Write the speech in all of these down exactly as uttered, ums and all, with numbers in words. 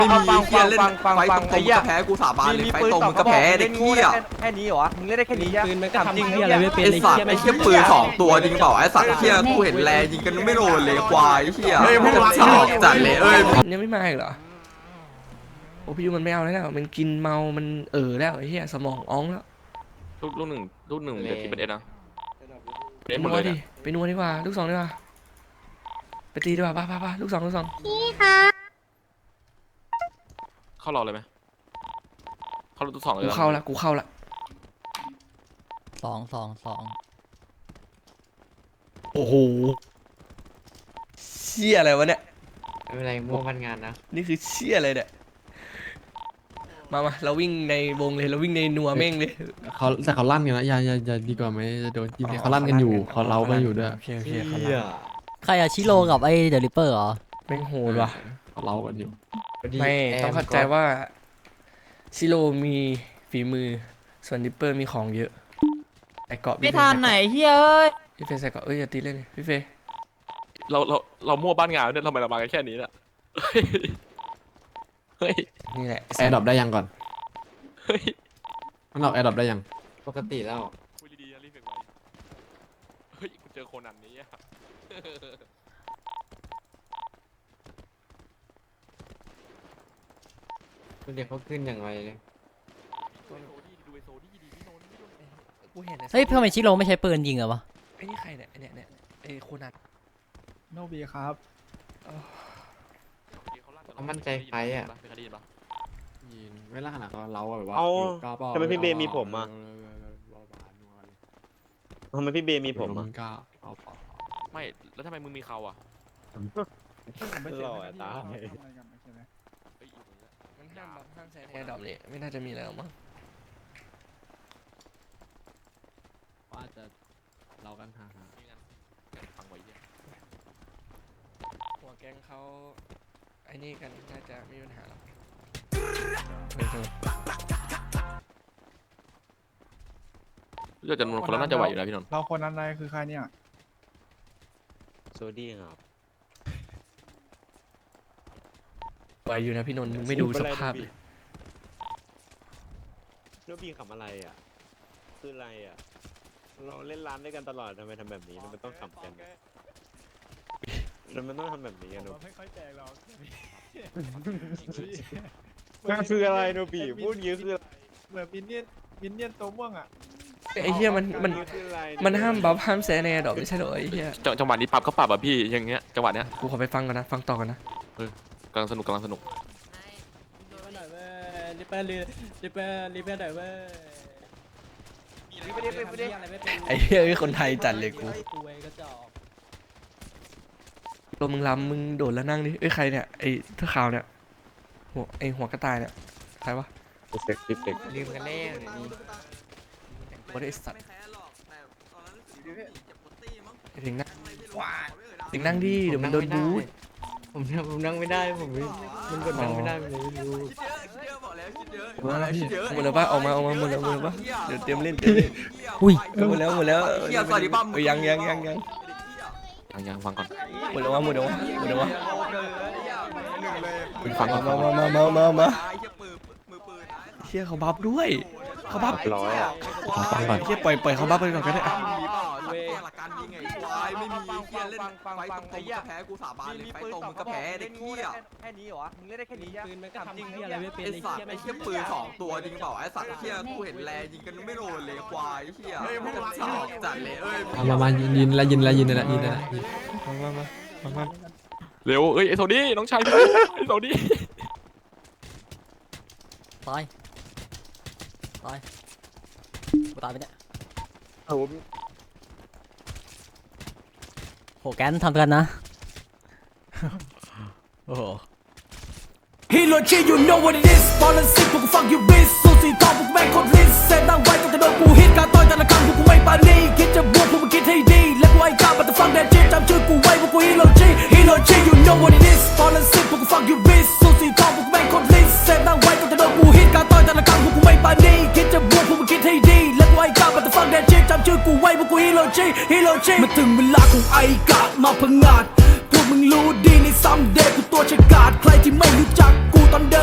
ไม่มีเฮียเล่นไฟตรงๆมึงก็แพ้กูสาบานเลยไฟตรงมึงก็แพ้เด็กเฮียแค่นี้เหรอมึงเล่นได้แค่นี้ใช่ไหมทำจริงเฮียอะไรไม่เป็นไอ้สัตว์ไอ้เฮียปืนสองตัวจริงเปล่าไอ้สัตว์เฮียกูเห็นแลยิงกันไม่โดนเลยควายเฮียมันจะฉอกจัดเลยเอ้ยยังไม่มาอีกเหรอโอ้พี่ยูมันไม่เอาแล้วมันกินเมามันเออแล้วไอ้เหี้ยสมองอ้องแล้วลูกลูกหนึ่งลูกหนึ่งเดี๋ยวที่เป็นเอ็ดนะไปนัวดิไปนัวดีกว่าลูกสองดีกว่าไปตีดีกว่าป้าป้าป้าลูกสองลูกสองพี่คะเข้ารอเลยไหมเข้าลูกสองเลยกูเข้าละกูเข้าละสองสองสองโอ้โหเชี่ยอะไรวะเนี่ยไม่เป็นไรมั่วพันงานนะนี่คือเชี่ยอะไรเนี่ยมามาเราวิ่งในวงเลยเราวิ่งในนัวเม่งเลยเขาแต่เขาลั่นกันนะอย่าอย่าอย่าดีกว่าไหมจะโดนยิงเขาลั่นกันอยู่เขาเล้าไปอยู่ด้วยโอเคโอเคเขาใครอะชิโร่กับไอ้เดลิเปอร์เหรอแม่งโหดว่ะเขาเล้ากันอยู่ไม่ต้องเข้าใจว่าชิโร่มีฝีมือส่วนดิปเปอร์มีของเยอะไอเกาะไม่ทันไหนเฮ้ยพี่เฟย์ใส่เกาะเอ้ยอย่าตีเล่นพี่เฟย์เราเราเรามั่วบ้านงานเนี่ยทำไมเรามากันแค่นี้น่ะเฮ้ยนี่แหละแอร์ดรอปได้ยังก่อนเฮ้ยมันเอาแอร์ดรอปได้ยังปกติแล้วคุยดีๆรีบเก็บไว้เฮ้ยกูเจอโคนันนี้อะเด็กเขาขึ้นอย่างไรเลยเฮ้ยทำไมชิโร่ไม่ใช้ปืนยิงอะวะไอ้นี่ใครเนี่ยเนี่ยเนี่ยไอ้โคนันโนบีครับเขามั่นใจใครอ่ะยิงไม่ล่าขนาดเขาเล้าแบบว่าทำไมพี่เบมีผมอ่ะทำไมพี่เบมีผมอ่ะไม่แล้วทำไมมึงมีเขาอ่ะหล่อตามันห้ามแบบห้ามใช้แอร์ดรอปเลยไม่น่าจะมีแล้วมั้งว่าจะเล้ากันฮ่าฮ่าฟังไว้เนี่ยหัวแกงเขาไอ้นี่กันน่าจะไม่มีปัญหาหรอกเลือกจำนวนคนแล้วน่าจะไหวอยู่แล้วพี่นนท์เราคนนั้นอะไรคือใครเนี่ยโซดี้ครับไหวอยู่นะพี่นนท์ไม่ดูสภาพเลยโนบีขำอะไรอ่ะคืออะไรอ่ะเราเล่นร้านด้วยกันตลอดทำไมทำแบบนี้มันต้องขำกันมันต้องทำแบบนี้กันโนไม่ค่อยแจกเรามันคืออะไรโนบีพูดเยอะคือเหมือนมินเนี่ยนมินเนี่ยนตัวม่วงอ่ะไอ้เหี้ยมันมันมันห้ามบัฟห้ามแซนแอร์ดรอปไม่ใช่เหรอไอ้เหี้ยจังหวะนี้ปรับก็ปรับอ่ะพี่อย่างเงี้ยจังหวะเนี้ยกูขอไปฟังก่อนนะฟังต่อกันนะเออกำลังสนุกกำลังสนุกลิปเปอร์ลิปเปอร์ลิปเปอร์หน่อยเว้ยไอ้เหี้ยคนไทยจัดเลยกูตัวมึงลำมึงโดดแล้วนั่งดิเอ้ยใครเนี่ยไอ้เท้าขาวเนี่ยหัวไอ้หัวกระต่ายเนี่ยใครวะเซ็กซิเซ็กลืมกันแล้วนี่บริษัทถึงนั่งถึงนั่งดิเดี๋ยวมันโดนบูทผมผมนั่งไม่ได้ผมมันกดนั่งไม่ได้มันเลยไม่รู้หมดแล้วป่ะออกมาออกมาหมดแล้วหมดแล้วป่ะเดี๋ยวเตรียมเล่นเตรียมเล่นอุ้ยหมดแล้วหมดแล้วยังยังยังยังยังยังฟังก่อนหมดแล้ววะหมดแล้ววะหมดแล้ววะฟังก่อนมามามามามาเชี่ยเขาบัฟด้วยเขาบัฟร้อยอ่ะฟังก่อนเชี่ยปล่อยปล่อยเขาบัฟไปก่อนก็ได้หลักการยิงไงควายไม่มีเฮียเล่นไฟตรงๆมึงก็แพ้กูสาบานเลยไฟตรงมึงก็แพ้เด็กเฮียแค่นี้เหรอมึงเล่นได้แค่นี้ใช่ไหมทำจริงเฮียอะไรไม่เป็นไอ้สัตว์ไอ้เฮียปืนสองตัวจริงเปล่าไอ้สัตว์เฮียกูเห็นแลยิงกันไม่โดนเลยควายเฮียมันจะฉอกจัดเลยเอ้ยมามายินยินแล้วยินแล้วยินแล้วยินแล้วมามามามาเร็วเอ้ยไอ้โซดี้น้องชายพี่ไอ้โซดี้ตายตายกูตายไปเนี่ยโหแกนทำกันนะโอ้โห Hero G you know what it is บอลลันซิกพวกกูฟังยูบิสสูสีทองพวกกูแม่งโคตรลิสเซตตั้งไว้ตั้งแต่โดนกูฮิตการต่อยแต่ละครั้งพวกกูไม่ปานีคิดจะบวกพวกมึงคิดให้ดีและกูไอ้กล้าบัตรฟังแดนจีจำชื่อกูไว้พวกกู Hero G Hero G you know what it is บอลลันซิกพวกกูฟังยูบิสสูสีทองพวกกูแม่งโคตรลิสเซตตั้งไว้ตั้งแต่โดนกูฮิตการต่อยแต่ละครั้งพวกกูไม่ปานีคิดจะบวกพวกมึงคิดให้ดีและกูไอ้กล้าบัตรฟังแดนจีจำชื่อกูไว้พวกกู Hero G Hero G มาถึงเวลาของไอ้กามาพังงาดพวกมึงรู้ดีในซัมเดย์กูตัวฉกาจใครที่ไม่รู้จักกูตอนเดิน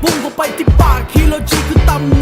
พุ่งเข้าไปที่ปากฮีโรชิคือตำ